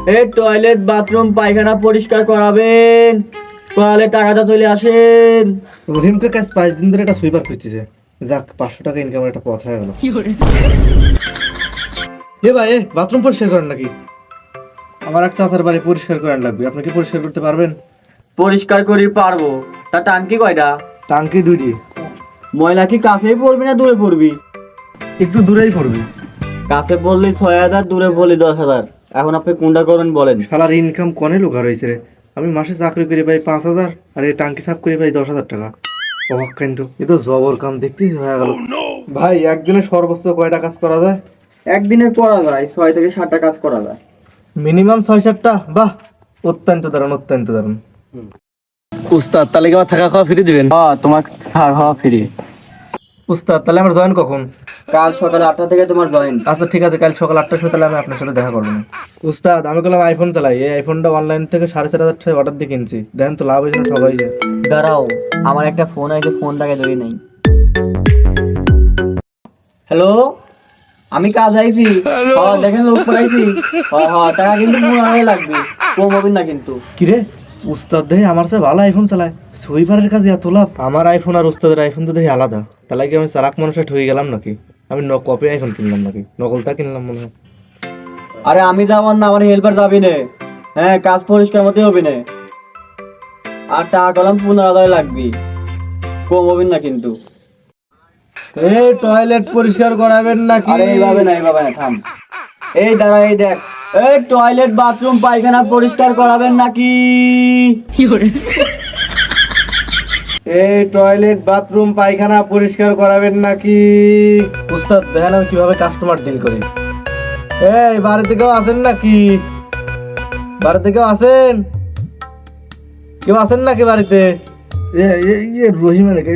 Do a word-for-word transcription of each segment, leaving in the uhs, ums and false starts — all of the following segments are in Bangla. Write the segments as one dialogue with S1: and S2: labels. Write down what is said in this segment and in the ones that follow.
S1: এই টয়লেট বাথরুম পায়খানা পরিষ্কার করাবেন, করালে টাকাটা চলে আসেন।
S2: রহিমকে কাজ পাঁচ দিন ধরে একটা সুইপার খুঁজতেছে, যাক পাঁচশো টাকা ইনকামের একটা পথ হয়ে গেল। এ ভাই এ বাথরুম পরিষ্কার করেন নাকি? আমার এক চাচার বাড়ি পরিষ্কার করেন লাগবে, আপনি কি পরিষ্কার করতে পারবেন?
S1: পরিষ্কার করি পারবো, তা টাঙ্কি কয়টা?
S2: টাঙ্কি দুইটি।
S1: ময়লা কি কাছে পড়বি না দূরে পড়বি?
S2: একটু দূরেই পড়বে।
S1: কাছে বললি ছয় হাজার, দূরে বললি দশ হাজার। এখন আপনি কোনটা করবেন বলেন?
S2: শালার ইনকাম কনে লোক রয়েছে রে, আমি মাসে চাকরি করে পাই পাঁচ হাজার আর এই টাঙ্কি সাফ করে পাই দশ হাজার টাকা। অবাক কিন্তু এ তো জবর কাম দেখতেই হয়ে গেল। ভাই একদিনে সর্বোচ্চ কয়টা কাজ করা যায়?
S1: একদিনে করা যায় ছয় থেকে সাতটা কাজ করা যায়।
S2: মিনিমাম ছয় সাতটা? বাহ, অত্যন্ত দারুণ অত্যন্ত দারুণ। উস্তাদ তাহলে কি আমার থাকা খাওয়া ফ্রি দিবেন?
S1: হ্যাঁ, তোমার থাকা খাওয়া ফ্রি।
S2: উস্তাদ তাহলে আমার জয়েন কখন?
S1: কাল সকাল আটটা থেকে তোমার জয়েন।
S2: আচ্ছা ঠিক আছে, কাল সকাল আটটার সময় তাহলে আমি আপনার সাথে দেখা করবো। উস্তাদ আমি বললাম আইফোন চালাই, এই আইফোনটা অনলাইন থেকে সাড়ে চার হাজার টাকা অর্ডার দিয়ে কিনছি, দেখেন তো লাভ হয়েছে না ঠকাই যায়।
S1: দাঁড়াও, আমার একটা ফোন আছে, ফোনটাকে ধরি নাই। হ্যালো, আমি কাজ আইছি। হ্যাঁ দেখেন লোক পড়াইছি। হ্যাঁ হ্যাঁ, টাকা কিন্তু পনেরো হাজার লাগবে, কম হবে না কিন্তু।
S2: কিরে উস্তাদ দেখি আমার সাথে ভালো আইফোন চালায়, সুইপারের কাছে এত লাভ। আমার আইফোন আর উস্তাদের আইফোন তো দেখি আলাদা, তাহলে কি আমি চালাক মানুষে ঠকে গেলাম নাকি? আমি ন কপি আইফোন কিনলাম নাকি? নকলটা কিনলাম মনে হয়।
S1: আরে আমি যাবার না, আমার হেল্পার যাবি না। হ্যাঁ, কাজ পরিষ্কার মতো হবে না। আর টাকা কলাম পনেরো হাজার লাগবে, কম হবে না কিন্তু।
S2: এই টয়লেট পরিষ্কার করাবেন নাকি?
S1: আরে এইভাবে না, এইভাবে না, থাম। এই দাঁড়া, এই দেখ, এই টয়লেট বাথরুম পায়খানা পরিষ্কার করাবেন নাকি?
S2: এই টয়লেট বাথরুম পায়খানা পরিষ্কার করাবেন নাকি? উস্তাদ দেখেন আমি কিভাবে কাস্টমার ডিল করি। এই বাড়িতে কেউ আছেন নাকি? বাড়িতে কেউ আছেন? কেউ আছেন নাকি বাড়িতে? রহিমা নাকি?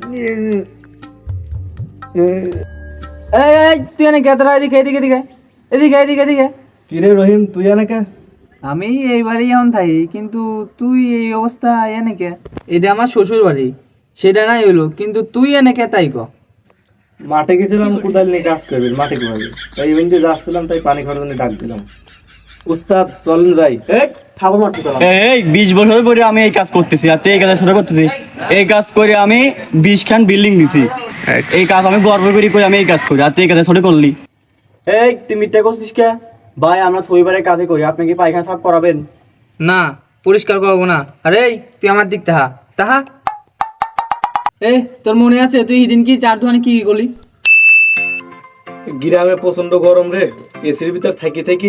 S3: এই এই তুই এনে কেতরা এদিকে এদিকে এদিকে এদিকে এদিকে এদিকে।
S2: কিরে রহিম তুই এনেকে?
S3: আমি এই বাড়ি এখন থাকি, কিন্তু তুই এই অবস্থা এনে কে? এটা আমার শ্বশুর বাড়ি, সেটা নাই হইলো, কিন্তু তুই এনে কে তাই ক?
S2: মাঠে গেছিলাম কোদাল নিয়ে কাজ করবি, মাঠে কিভাবে তাই ইভেন দিয়ে যাচ্ছিলাম, তাই পানি খাওয়ার জন্য ডাক দিলাম। উস্তাদ চলেন যাই।
S1: এই খাবো মারতে চলো। এই বিশ বছর পরে আমি এই কাজ করতেছি, আর তুই এই কাজ শুরু করতেছিস। এই কাজ করে আমি বিশ খান বিল্ডিং দিছি। এই কাজ আমি গর্ব করি করে আমি এই কাজ করি, আর তুই এই কাজ শুরু করলি। এই তুই মিথ্যা করছিস কে? ভাই আমরা শনিবারের কাজে করি, আপনি কি পায়খানা সাফ করাবেন?
S3: না, পরিষ্কার করবো না। আরে তুই আমার দিক তাহা তাহা। এই তোর মনে আছে তুই সেদিন কি চার দোকানে কি কি করলি?
S2: গ্রামে প্রচন্ড গরম রে, এসির ভিতর থাকি থাকি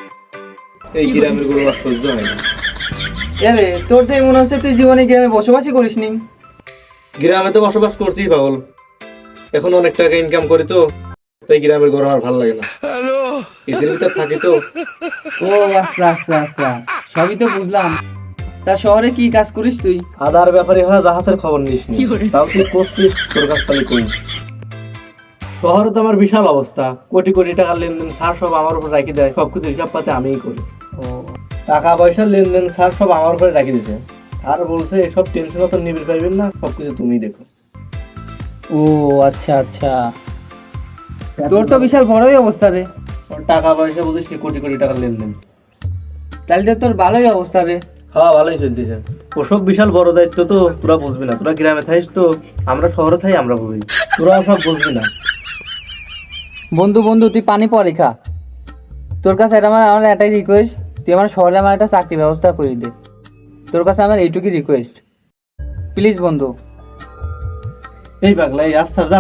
S2: এই গ্রামের গরম আর সহ্য হয় না।
S3: আরে তোর তো মনে হচ্ছে তুই জীবনে গ্রামে বসবাসই করিস নি।
S2: গ্রামে তো বসবাস করছি পাগল, এখন অনেক টাকা ইনকাম করি তো, তাই গ্রামের গরম আর ভালো লাগে না, এসির ভিতর থাকি তো।
S3: ও আচ্ছা আচ্ছা আচ্ছা, সবই তো বুঝলাম। তা শহরে কি কাজ করিস তুই?
S2: আদার ব্যাপারে হয় জাহাজের খবর নিস নি, তাও তুই করছিস, তোর কাছ থেকে কই। শহরে তো আমার বিশাল অবস্থা, কোটি কোটি টাকার লেনদেন সার সব আমার উপর রাখি দেয়, সবকিছু হিসাব পাতে আমিই করি।
S3: ও
S2: টাকা পয়সার লেনদেন সার সব আমার উপরে রাখি দিয়েছে, আর বলছে এসব টেনশন তো নিবিড় পাইবেন না, সবকিছু তুমিই দেখো।
S3: ও আচ্ছা আচ্ছা, তোর তো বিশাল বড়ই অবস্থা রে।
S2: ওর টাকা পয়সা বুঝিস নি, কোটি কোটি টাকার লেনদেন।
S3: তাহলে তো তোর ভালোই অবস্থা রে।
S2: হ্যাঁ ভালোই চলতেছে, ওসব বিশাল বড় দায়িত্ব তো তোরা বুঝবি না, তোরা গ্রামে থাকিস তো, আমরা শহরে থাই আমরা বুঝি, তোরা সব বুঝবি না।
S3: বন্ধু বন্ধু তুই পানি পরে খা। তোর কাছে এটা আমার আমার একটাই রিকোয়েস্ট, তুই আমার শহরে আমার একটা চাকরি ব্যবস্থা করে দে। তোর কাছে আমার এইটুকুই রিকোয়েস্ট, প্লিজ বন্ধু।
S2: এই পাগলা এই আস স্যার যা,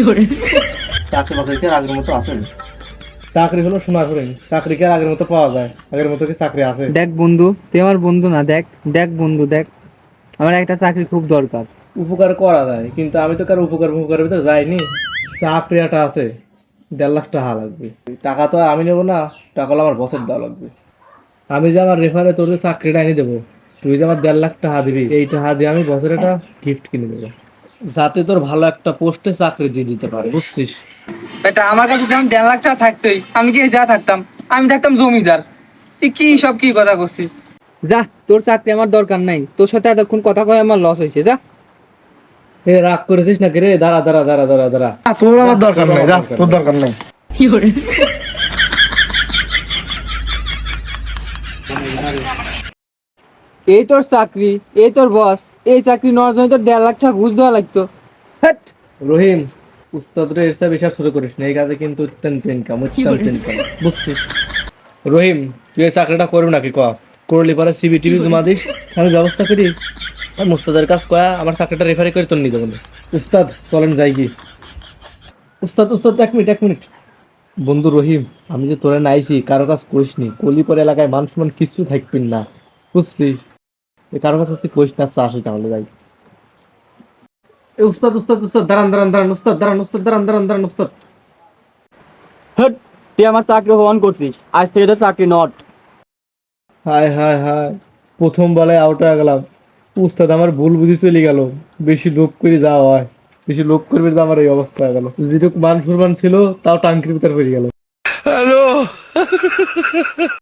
S2: চাকরি বাকরি কি আর আগের মতো আছে? চাকরি হলো সোনার হরিণ, চাকরি কি আর আগের মতো পাওয়া যায়? আগের মতো কি চাকরি আছে?
S3: দেখ বন্ধু, তুই আমার বন্ধু না, দেখ দেখ বন্ধু দেখ, আমার একটা চাকরি খুব দরকার।
S2: উপকার করা যায়, কিন্তু আমি তো কারো উপকার উপকারের ভিতরে যাইনি। চাকরি একটা আছে, দেড় লাখ টাকা লাগবে, টাকা তো আর আমি নেবো না, টাকা হলো আমার বছর দেওয়া লাগবে। আমি যে আমার রেফারে তোর যে চাকরিটা এনে দেবো, তুই যে আমার দেড় লাখ টাকা দিবি, এই টাকা দিয়ে আমি বছরে একটা গিফট কিনে দেবো, যাতে তোর ভালো একটা পোস্টে চাকরি দিয়ে দিতে পারে, বুঝছিস?
S3: এটা আমার কাছে যখন দেড় লাখ টাকা থাকতোই, আমি কি যা থাকতাম, আমি থাকতাম জমিদার। তুই কি সব কি কথা করছিস? যা, তোর চাকরি আমার দরকার নাই, তোর সাথে এতক্ষণ কথা কয়ে আমার লস হয়েছে, যা।
S2: এ রাগ করেছিস নাকি রে? দাঁড়া দাঁড়া দাঁড়া দাঁড়া দাঁড়া, তোর আমার দরকার নাই, যা, তোর দরকার নাই।
S3: এই তোর চাকরি, এই তোর বস, এই চাকরি নেওয়ার জন্য তোর দেড় লাখ টাকা ঘুষ দেওয়া লাগতো। হ্যাট।
S2: রহিম, উস্তাদরে এর চেয়ে বেশি আর শুরু করিস না, এই কাজে কিন্তু অত্যন্ত ইনকাম, অত্যন্ত ইনকাম, বুঝছিস? রহিম, তুই এই চাকরিটা করবি নাকি ক? করলি পরে সিবি টিভি জমা দিস, আমি ব্যবস্থা করি। আর মুস্তাদের কাজ কয়া আমার চাকরিটা রেফারি করে তোর নিতে বলে। উস্তাদ চলেন যাই কি। উস্তাদ উস্তাদ এক মিনিট এক মিনিট বন্ধু রহিম, আমি যে তোরে নাইছি কারো কাজ করিস নি, কলিপর এলাকায় মান সম্মান কিছু থাকবিন না, বুঝছিস? এই কারো কাছে তুই করিস না, আসি তাহলে যাই। এ উস্তাদ উস্তাদ উস্তাদ দাঁড়ান দাঁড়ান দাঁড়ান উস্তাদ দাঁড়ান উস্তাদ দাঁড়ান দাঁড়ান দাঁড়ান উস্তাদ।
S1: হট, তুই আমার চাকরি অপমান করছিস, আজ থেকে তোর চাকরি নট।
S2: হায় হায় হায়, প্রথম বেলায় আউট হয়ে গেলাম। উস্তাদ আমার ভুল বুঝি চলে গেল, বেশি লোভ করে যাওয়া হয়, বেশি লোভ করবে যে আমার এই অবস্থা হয়ে গেল। যেটুকু মান সম্মান ছিল তাও টাঙ্কির ভিতর পড়ে গেল।